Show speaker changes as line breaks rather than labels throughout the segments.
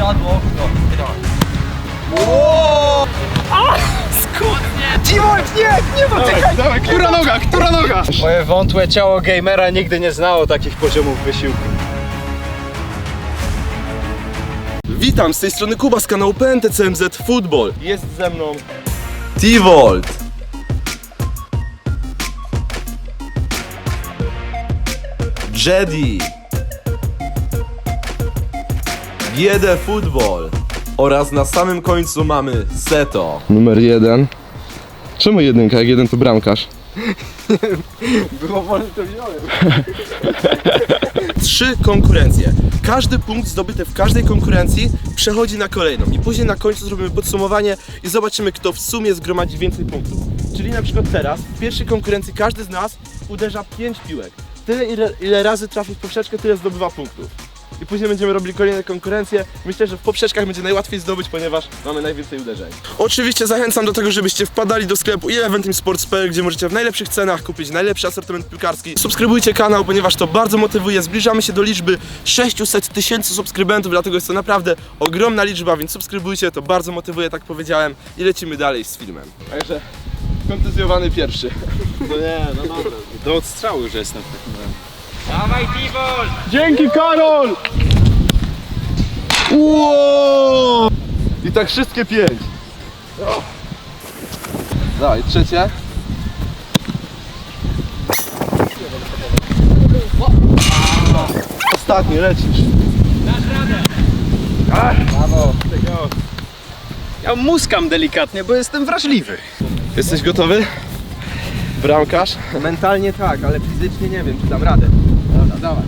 siadło okno.
T-Wolf, nie dotykaj!
Dawaj, która noga?
Moje wątłe ciało gamera nigdy nie znało takich poziomów wysiłku.
Witam, z tej strony Kuba z kanału PNTCMZ Football. Jest ze mną T-Volt, Jedi, Biedę Football oraz na samym końcu mamy Seto. Numer 1. Czemu jedynka, jak jeden to bramkarz?
Było wolne, to wziąłem.
3 konkurencje. Każdy punkt zdobyty w każdej konkurencji przechodzi na kolejną i później na końcu zrobimy podsumowanie i zobaczymy, kto w sumie zgromadzi więcej punktów. Czyli na przykład teraz, w pierwszej konkurencji każdy z nas uderza 5 piłek. Tyle ile razy trafi w poprzeczkę, tyle zdobywa punktów. I później będziemy robili kolejne konkurencje. Myślę, że w poprzeczkach będzie najłatwiej zdobyć, ponieważ mamy najwięcej uderzeń. Oczywiście zachęcam do tego, żebyście wpadali do sklepu eleventeamsports.pl, gdzie możecie w najlepszych cenach kupić najlepszy asortyment piłkarski. Subskrybujcie kanał, ponieważ to bardzo motywuje. Zbliżamy się do liczby 600 000 subskrybentów, dlatego jest to naprawdę ogromna liczba, więc subskrybujcie, to bardzo motywuje, tak powiedziałem. I lecimy dalej z filmem. Także kontuzjowany pierwszy.
No nie, no dobra. Do odstrzału już jestem w takim razie.
Dawaj T-Wolf!
Dzięki, Karol! Wow! I tak wszystkie 5. Dawaj, trzecie. Ostatni, lecisz.
Dasz radę!
Brawo. Ja muskam delikatnie, bo jestem wrażliwy.
Jesteś gotowy? Bramkarz?
Mentalnie tak, ale fizycznie nie wiem, czy dam radę. Dobra, dawaj.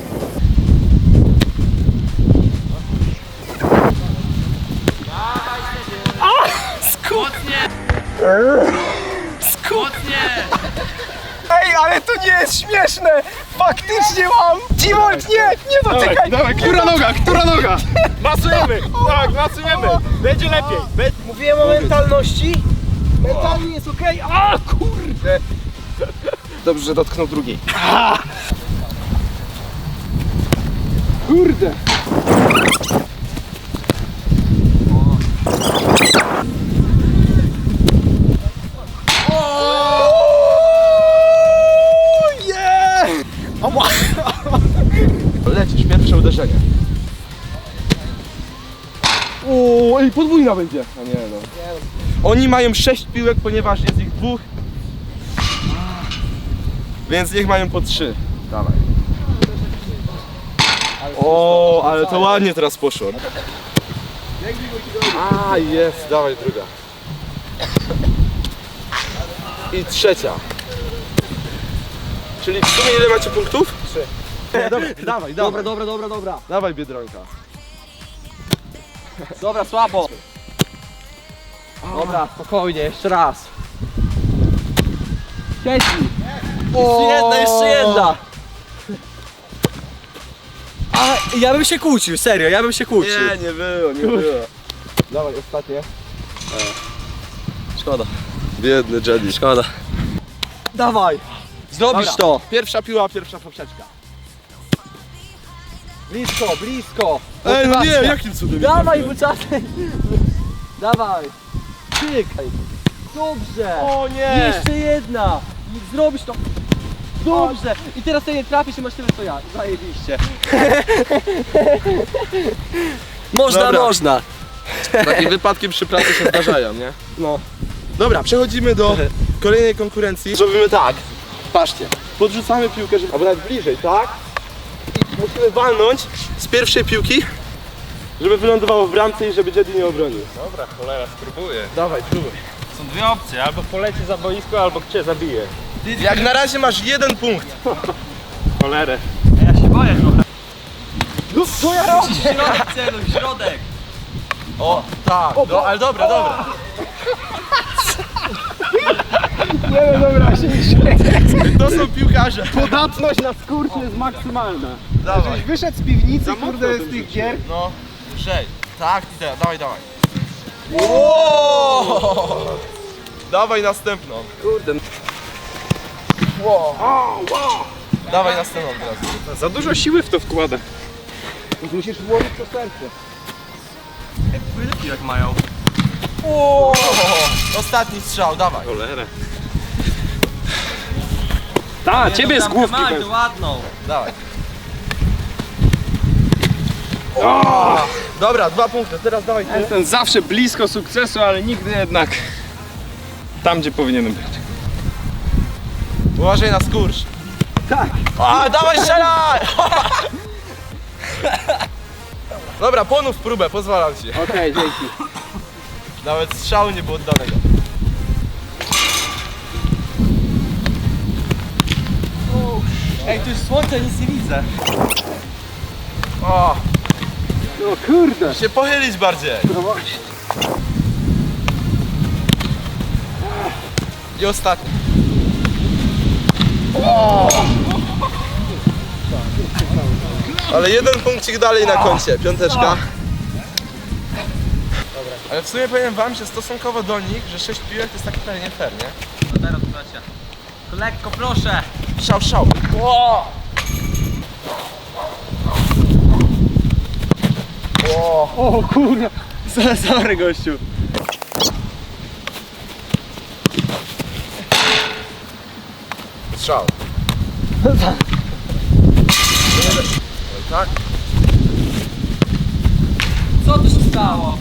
Mocnie! Mocnie!
Ej, ale to nie jest śmieszne! Faktycznie mam! T-Wolf, nie dotykaj!
Dawaj, która noga?
Masujemy! Tak, masujemy! Będzie lepiej! Mówiłem o mentalności. Mentalnie jest okej. A kurde! Dobrze, że dotknął drugiej. Kurde!
Lecisz, pierwsze uderzenie. O, ej, podwójna będzie. A nie no. Oni mają 6 piłek, ponieważ jest ich 2. Więc niech mają po 3. Dawaj. O, ale to ładnie teraz poszło. A, jest, dawaj druga. I trzecia. Czyli w sumie ile macie punktów? 3. Dawaj.
Dobra.
Dawaj, Biedronka.
Dobra, słabo. Dobra, spokojnie, jeszcze raz. Siedzi. Jeszcze jedna. A ja bym się kłócił, serio, ja bym się kłócił.
Nie było. Dawaj, ostatnie.
Szkoda.
Biedny Jedi.
Szkoda. Dawaj. Zrobisz
Dobra.
to.
Pierwsza piła, pierwsza poprzeczka.
Blisko.
Ej, no nie,
Motywacja.
jakim cudem?
Dawaj, buczaty. Dawaj. Czekaj. Dobrze.
O nie!
Jeszcze jedna. I zrobisz to. Dobrze. I teraz ty nie trafisz i masz tyle co ja. Zajebiście.
Dobra.
Można.
Takie wypadki przy pracy się zdarzają, nie?
No.
Dobra, przechodzimy do kolejnej konkurencji. Zrobimy tak. Patrzcie, podrzucamy piłkę, żeby... albo nawet bliżej, tak? I musimy walnąć z pierwszej piłki, żeby wylądowało w bramce i żeby Jedi nie obronił.
Dobra, cholera, spróbuję.
Dawaj, próbuj.
Są dwie opcje, albo poleci za boisko, albo cię zabije.
Jak na razie masz 1 punkt.
Cholerę. Ja się boję trochę.
No co ja robię?
Środek celuj, środek!
O, tak, ale dobra.
Dobra, się nie śmieję.
To są piłkarze.
Podatność na skurcz jest maksymalna.
Dawaj.
Wyszedł z piwnicy,
Za mocno
kurde,
to
z tych
wrzuciłeś.
gier.
No, 6. Tak, i teraz, dawaj. Wow! Dawaj następną.
Kurde.
Dawaj następną teraz.
Za dużo siły w to wkłada.
Musisz włożyć to serce. Ile piłek mają?
Ostatni strzał, dawaj.
Cholera. Ta, ciebie z główki.
Mają ładną.
Dawaj. Dobra, 2 punkty, teraz dawaj ty.
Jestem zawsze blisko sukcesu, ale nigdy jednak tam, gdzie powinienem być.
Uważaj na skurcz. Tak. A, dawaj strzelaj! Dobra, ponów próbę, pozwalam ci.
Okej, dzięki.
Nawet strzału nie było oddanego.
Ej, tu jest słońce, nic nie widzę.
O,
No kurde.
się pochylić bardziej. I ostatni. Ale jeden punkcik dalej na koncie, piąteczka. Ale w sumie powiem wam, że stosunkowo do nich, że 6 piłek to jest tak trochę nie fair, nie?
No teraz bracia. To lekko, proszę.
Szał, szał.
O kurwa, sorry gościu.
Strzał. Tak?
Co tu się stało?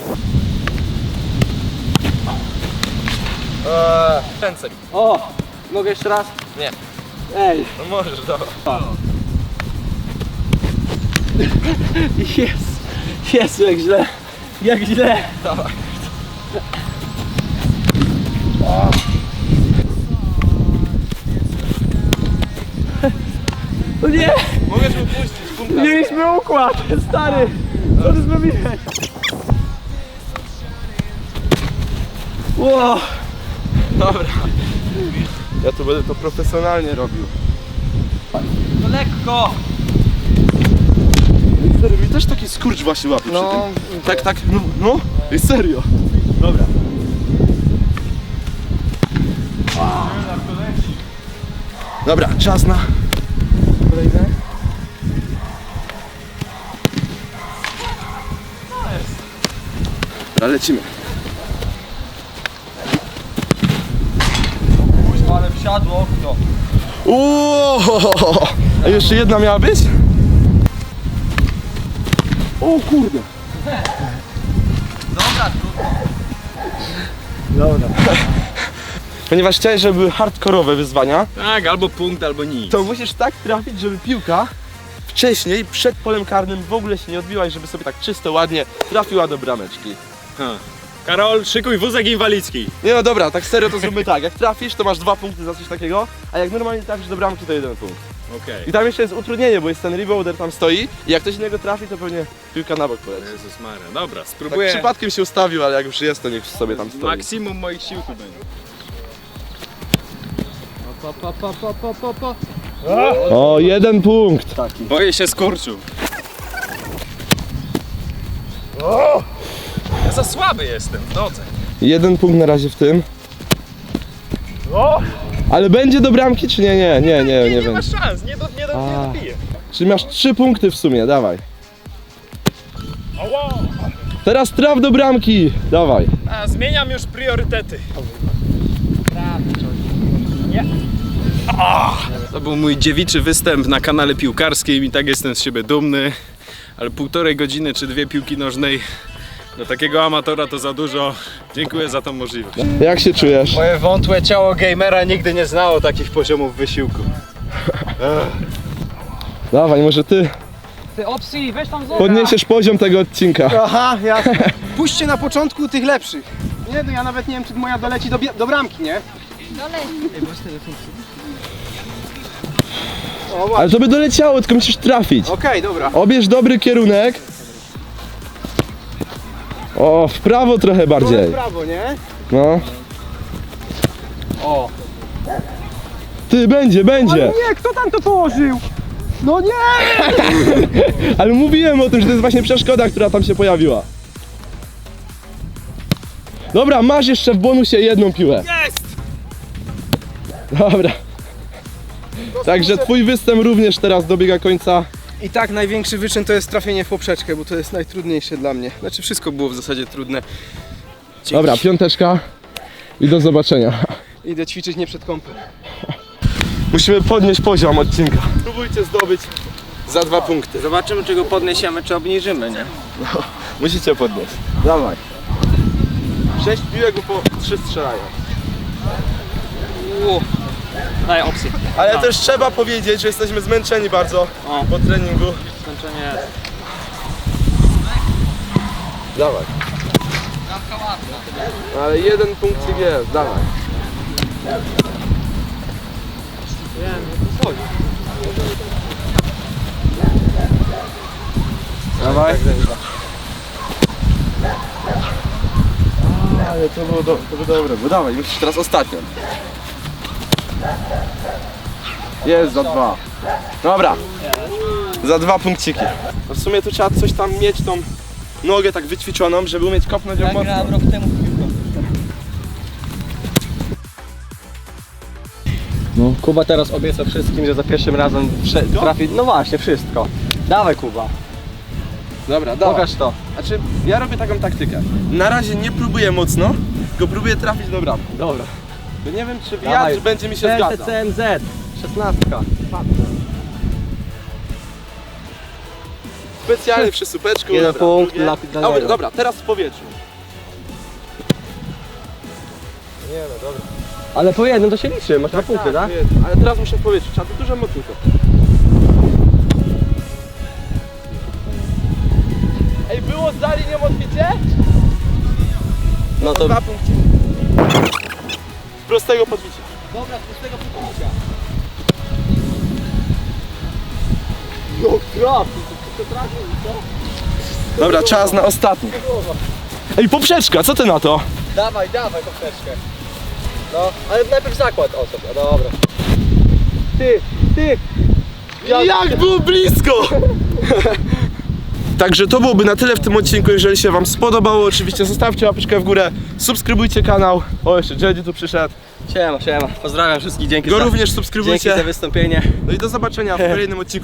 Ręce.
O, mogę jeszcze raz?
Nie.
Ej.
No możesz, dobra.
Jezu, jak źle. Jak źle.
Dawaj.
No nie,
Mogę mu puścić, punkta.
mieliśmy układ, stary. Co ty zrobiłeś? Wow.
Dobra. Ja tu będę to profesjonalnie robił.
To lekko.
Stary, mi też taki skurcz właśnie łapie
No.
przy tym. Tak, tak, no, i serio. Dobra. Dobra, czas na kolejne. Dobra, lecimy.
Kuźwa, ale wsiadło okno.
Uuuu! A jeszcze jedna miała być? O kurde!
Dobra, trudno.
Dobra. Ponieważ chciałeś, żeby były hardkorowe wyzwania,
Tak, albo punkt, albo nic.
to musisz tak trafić, żeby piłka wcześniej, przed polem karnym w ogóle się nie odbiła i żeby sobie tak czysto, ładnie trafiła do brameczki.
Ha. Karol, szykuj wózek inwalidzki.
Nie no dobra, tak serio to zróbmy tak, jak trafisz to masz 2 punkty za coś takiego, a jak normalnie trafisz do bramki to 1 punkt.
Okej.
I tam jeszcze jest utrudnienie, bo jest ten rebounder tam stoi i jak ktoś innego trafi to pewnie piłka na bok poleci.
Jezus Maria, dobra,
Tak
spróbuję.
przypadkiem się ustawił, ale jak już jest to niech sobie tam stoi.
Maksimum moich sił tu będzie.
O, 1 punkt!
Boję się skurczu. Ja za słaby jestem w nodze.
1 punkt na razie w tym. Ale będzie do bramki czy nie? Nie
Nie ma
będzie.
szans, nie dobiję.
Czyli masz 3 punkty w sumie, dawaj.
Ała!
Teraz traf do bramki, dawaj.
A, zmieniam już priorytety. To był mój dziewiczy występ na kanale piłkarskim i tak jestem z siebie dumny. Ale 1,5 godziny czy 2 piłki nożnej dla takiego amatora to za dużo. Dziękuję za tą możliwość.
Jak się czujesz?
Moje wątłe ciało gamera nigdy nie znało takich poziomów wysiłku.
Dawaj, może ty
Ty opcji, weź tam zobacz.
podniesiesz poziom tego odcinka.
Aha, jasne. Puśćcie na początku tych lepszych. Nie, no ja nawet nie wiem, czy moja doleci do bramki, nie? O, właśnie.
Ale to by doleciało, tylko musisz trafić.
Okej, dobra.
Obierz dobry kierunek. O, w prawo trochę
W
bardziej.
prawo, nie?
No.
O.
Ty, będzie.
Nie, kto tam to położył? No nie!
Ale mówiłem o tym, że to jest właśnie przeszkoda, która tam się pojawiła. Dobra, masz jeszcze w bonusie 1 piłę.
Jest!
Dobra. Także twój występ również teraz dobiega końca.
I tak największy wyczyn to jest trafienie w poprzeczkę, bo to jest najtrudniejsze dla mnie. Znaczy wszystko było w zasadzie trudne. Dzięki.
Dobra, piąteczka i do zobaczenia.
Idę ćwiczyć nie przed kąpem.
Musimy podnieść poziom odcinka. Spróbujcie zdobyć za 2 punkty.
Zobaczymy, czy go podniesiemy, czy obniżymy, nie?
Musicie podnieść. Dawaj. 6 piłek, bo po 3 strzelają.
Daj opcję.
Ale też trzeba powiedzieć, że jesteśmy zmęczeni bardzo po treningu.
Skończenie.
Dawaj. Ale 1 punkcik jest, dawaj. Dawaj. Ale to było dobre, bo dawaj, musisz teraz ostatnią. Jest za 2. Dobra. Za 2 punkciki. No w sumie tu trzeba coś tam mieć, tą nogę tak wyćwiczoną, żeby umieć kopnąć ją mocno.
Grałem rok temu w piłkę.
No.
Kuba teraz obieca wszystkim, że za pierwszym razem trafi. No właśnie, wszystko. Dawaj Kuba.
Dobra, dawaj.
Pokaż to.
Znaczy, ja robię taką taktykę. Na razie nie próbuję mocno, tylko próbuję trafić do bramki.
Dobra.
Bo nie wiem, czy
Dawaj.
wiatr będzie mi się zgadzał.
CMZ. 16.
Specjalnie przy supeczku.
Jeden
dobra,
punkt
drugie.
dla
Dobra,
niego.
dobra, teraz w powietrzu.
Ale po jednym to się liczy, masz 2 punkty, tak?
Ale teraz muszę w powietrzu, trzeba to dużo mocniej kopnąć. Ej, było za linią odbicie?
No to
2 punkty. Z prostego podbicia.
dobra, z pustego podbicia.
Dobra, czas na ostatni. Ej, poprzeczka, co ty na to?
Dawaj, dawaj poprzeczkę. No, ale najpierw zakład o sobie, dobra. Ty!
Jak było blisko! Także to byłoby na tyle w tym odcinku. Jeżeli się wam spodobało, oczywiście zostawcie łapeczkę w górę, subskrybujcie kanał. O, jeszcze Jedi tu przyszedł.
Siema. Pozdrawiam wszystkich, dzięki
Go
za,
również
dzięki
subskrybujcie.
za wystąpienie.
No i do zobaczenia w kolejnym odcinku.